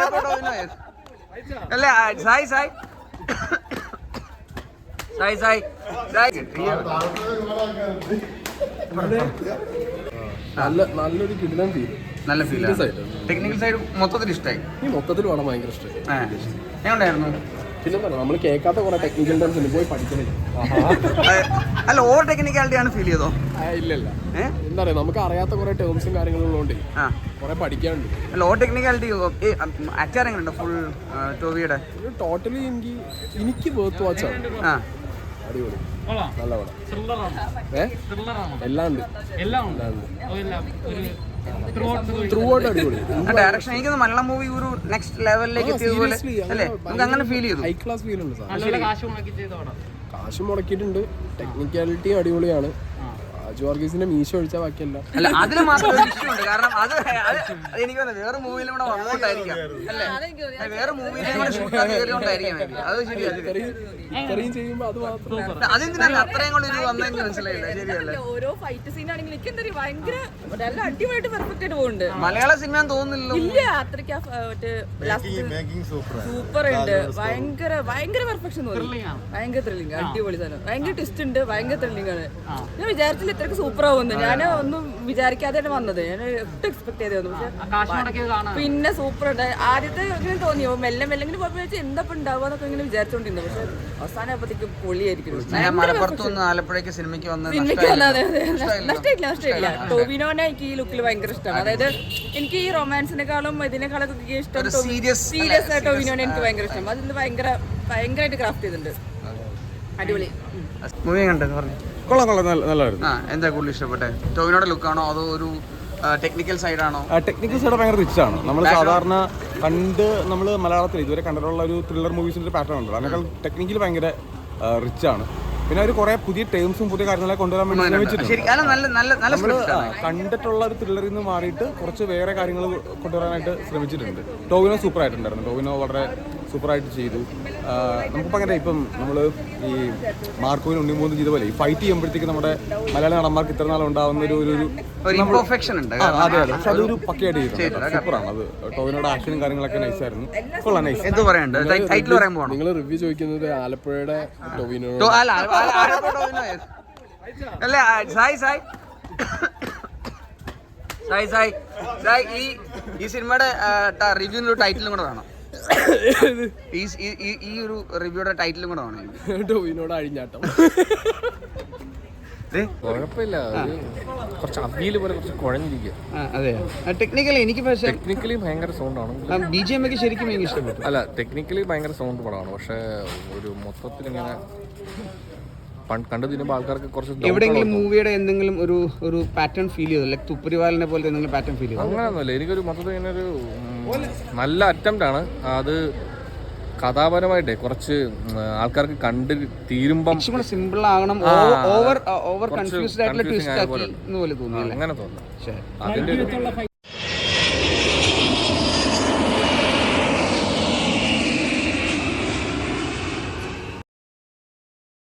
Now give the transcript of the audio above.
അല്ലേ സായി സായി സായി സായി നല്ലൊരു കിടിലൻ ഫീൽ. നല്ല ഫീൽ. ടെക്നിക്കൽ സൈഡ് മൊത്തത്തിൽ ഇഷ്ടമായി. ഈ മൊത്തത്തിൽ വേണം ഭയങ്കര ഇഷ്ടമായി. എങ്ങനെയായിരുന്നു? പിന്നെ നമ്മൾ കേൾക്കാത്ത കുറെ ടെക്നിക്കൽ ടേംസ് ഉണ്ട്, പോയി പഠിക്കണേ. അല്ല ഓവർ ടെക്നിക്കാലിറ്റി ആണ് ഫീൽ ചെയ്തോ? ഇല്ലല്ല, എന്താ പറയാ, നമുക്ക് അറിയാത്ത കുറെ ടേംസും കാര്യങ്ങളും ഉള്ളതുകൊണ്ട് കുറെ പഠിക്കാനുണ്ട്. അല്ല ഓവർ ടെക്നിക്കാലിറ്റി ആക്ടർ എങ്ങനെയുണ്ട് ഫുൾ ടോവിയുടെ? ടോട്ടലി എനിക്ക് വേർത്ത് വാച്ചാണ്. അടിപൊളി, നല്ല പടം. എല്ലാം ഉണ്ട്. ത്രൂ ഔട്ട് അടിപൊളി. ഡയറക്ഷൻ എനിക്ക് മലയാളം മൂവി ഒരു നെക്സ്റ്റ് ലെവലിലേക്ക് എത്തിയതുപോലെ അല്ലേ? നമുക്ക് അങ്ങനെ ഫീൽ ചെയ്തു. ഹൈ ക്ലാസ് ഫീൽ ഉണ്ട്. കാശ് മുടക്കിയിട്ടുണ്ട്. ടെക്നിക്കാലിറ്റി അടിപൊളിയാണ്. ജോർഗീസിന്റെ മീശ ഒഴിച്ചാൽ ബാക്കിയല്ല. അല്ല അതിന് മാത്രം ഒരു ഇഷ്യൂ ഉണ്ട്. കാരണം അത് എനിക്ക് വേറെ മൂവിയിലും കൂടെ വന്നോണ്ടായിരിക്കാം അല്ലേ? വേറെ മൂവിയിലും കൂടെ ഷൂട്ട് കയറിയോണ്ടായിരിക്കാം. അത് ശരിയാണ്. ഇത്രയും ചെയ്യുമ്പോൾ അത് മാത്രം അതെന്തിനാണ് അത്രയും കൂടി ഇത് വന്നെങ്കിൽ മനസ്സിലായില്ല. ശരിയല്ലേ? ഓരോ ഫൈറ്റ് സീൻ ആണെങ്കിലും എനിക്ക് എന്താ ഭയങ്കര നല്ല അടിപൊളിയായിട്ട് പെർഫെക്റ്റ് ആയിട്ട് പോകുന്നുണ്ട്. മലയാള സിനിമ തോന്നുന്നില്ലല്ലോ. ഇല്ല, അത്രയ്ക്ക് സൂപ്പർ ഉണ്ട്. ഭയങ്കര ഭയങ്കര പെർഫെക്ഷൻ തോന്നി. ഭയങ്കര ത്രില്ലിംഗ്, അടിപൊളി സാധനം. ഭയങ്കര ട്വിസ്റ്റ് ഉണ്ട്. ഭയങ്കര ത്രില്ലിംഗ് ആണ്. ഞാൻ വിചാരിച്ചില്ല ഇത്രയ്ക്ക് സൂപ്പർ ആവുന്നു. ഞാൻ ഒന്നും വിചാരിക്കാതെയാണ് വന്നത്. ഞാൻ ഒട്ടും എക്സ്പെക്ട് ചെയ്തു. പക്ഷെ പിന്നെ സൂപ്പർ ഉണ്ട്. ആദ്യത്തെ ഇങ്ങനെ തോന്നിയോ മെല്ലെ മെല്ലെങ്കിലും പോയപ്പോൾ എന്താ ഉണ്ടാവുക എന്നൊക്കെ ഇങ്ങനെ വിചാരിച്ചോണ്ടിരുന്നു. പക്ഷെ അവസാനം ആയപ്പോഴത്തേക്ക് പൊളിയായിരിക്കും. ആലപ്പുഴയ്ക്ക് സിനിമയ്ക്ക് നഷ്ടമില്ല. ടോവിനോനെ എനിക്ക് ഈ ലുക്കിൽ ഭയങ്കര ഇഷ്ടമാണ്. അതായത് എനിക്ക് ഈ റൊമാൻസിനെക്കാളും ഇതിനേക്കാളൊക്കെ ഇഷ്ടം സീരിയസ് ടോവിനോനെ എനിക്ക് ഭയങ്കര ഇഷ്ടം. അതിന് ഭയങ്കരമായിട്ട് ക്രാഫ്റ്റ് ചെയ്തിട്ടുണ്ട്. അടിപൊളി മൂവി കണ്ടെന്ന് പറഞ്ഞു. കൊള്ളാം, നല്ലതായിരുന്നു. എന്താ കൂടുതൽ ഇഷ്ടപ്പെട്ടെ? ടോവിനോയുടെ ലുക്കാണോ അതോ ഒരു ടെക്നിക്കൽ സൈഡാണോ? ടെക്നിക്കൽ സൈഡ് ഭയങ്കര റിച്ച് ആണ്. നമ്മൾ സാധാരണ നമ്മൾ മലയാളത്തിൽ ഇതുവരെ കണ്ടിട്ടുള്ള ഒരു ത്രില്ലർ മൂവീസിന്റെ ഒരു പാറ്റേൺ ഉണ്ട്. അതിനേക്കാൾ ടെക്നിക്കലി ഭയങ്കര റിച്ച് ആണ്. പിന്നെ അവർ കുറെ പുതിയ ടേംസും പുതിയ കാര്യങ്ങളൊക്കെ കൊണ്ടുവരാൻ വേണ്ടി കണ്ടിട്ടുള്ള ഒരു ത്രില്ലറിൽ നിന്ന് മാറിയിട്ട് കുറച്ച് വേറെ കാര്യങ്ങൾ കൊണ്ടുവരാനായിട്ട് ശ്രമിച്ചിട്ടുണ്ട്. ടോവിനോ സൂപ്പർ ആയിട്ടുണ്ടായിരുന്നു. ടോവിനോ വളരെ സൂപ്പറായിട്ട് ചെയ്തു. നമുക്കിപ്പോൾ അങ്ങനെ ഇപ്പം നമ്മൾ ഈ മാർക്കോവിന് ഉണ്ണിമൂന്ന് ചെയ്ത പോലെ ഈ ഫൈറ്റ് ചെയ്യുമ്പോഴത്തേക്ക് നമ്മുടെ മലയാള നടന്മാർക്ക് ഇത്ര നാൾ ഉണ്ടാവുന്ന ഒരു ഇംപെർഫെക്ഷൻ ഉണ്ട്. അതെ, പക്ഷെ അതൊരു പക്കയായിട്ട് ചെയ്തിട്ടുണ്ട്. സൂപ്പറാണ് അത്. ടോവിനോയുടെ ആക്ഷനും കാര്യങ്ങളൊക്കെ നൈസായിരുന്നു. കൊള്ളാം, നൈസ്. നിങ്ങൾ റിവ്യൂ ചോദിക്കുന്നത് ആലപ്പുഴയുടെ ടോവിനോ അല്ലേ? സായി സായി സായി സായി സായി ഈ സിനിമയുടെ റിവ്യൂവിനൊരു ടൈറ്റിലും കൂടെ വേണം. ഈ ഒരു റിവ്യൂയുടെ ടൈറ്റിലും കൂടെ വേണം. ടോവിനോട് അഴിഞ്ഞാട്ടം. കുഴപ്പമില്ല, കുറച്ച് അവിയൽ പോലെ കുറച്ച് കുഴഞ്ഞിരിക്കുക. അതെ, ടെക്നിക്കലി എനിക്ക് പക്ഷേ ടെക്നിക്കലി ഭയങ്കര സൗണ്ടാണ്. BGM ഒക്കെ ശരിക്കും എനിക്ക് ഇഷ്ടപ്പെട്ടു. അല്ല, ടെക്നിക്കലി ഭയങ്കര സൗണ്ട് പടമാണ്. പക്ഷെ ഒരു മൊത്തത്തിൽ ഇങ്ങനെ കണ്ടു തിന്നുമ്പോൾ ആൾക്കാർക്ക് കുറച്ച് എവിടെയെങ്കിലും മൂവിയുടെ എന്തെങ്കിലും ഒരു പാറ്റേൺ ഫീൽ ചെയ്തു? ലൈക് തുപ്പരിവാലിനെ പോലത്തെ എന്തെങ്കിലും പാറ്റേൺ ഫീൽ ചെയ്തു? അങ്ങനെയൊന്നുമല്ല. എനിക്കൊരു മൊത്തത്തിൽ ഇങ്ങനെ ഒരു നല്ല അറ്റംപ്റ്റ് ആണ്. അത് കഥാപരമായിട്ടേ കുറച്ച് ആൾക്കാർക്ക് കണ്ട് തീരുമ്പം സിമ്പിൾ ആകണം. ഓവർ കൺഫ്യൂസ്ഡ് ആയിട്ടുള്ള ട്വിസ്റ്റ് ആക്കി പോലെ തോന്നി. അങ്ങനെ തോന്നുന്നു. അതിന്റെ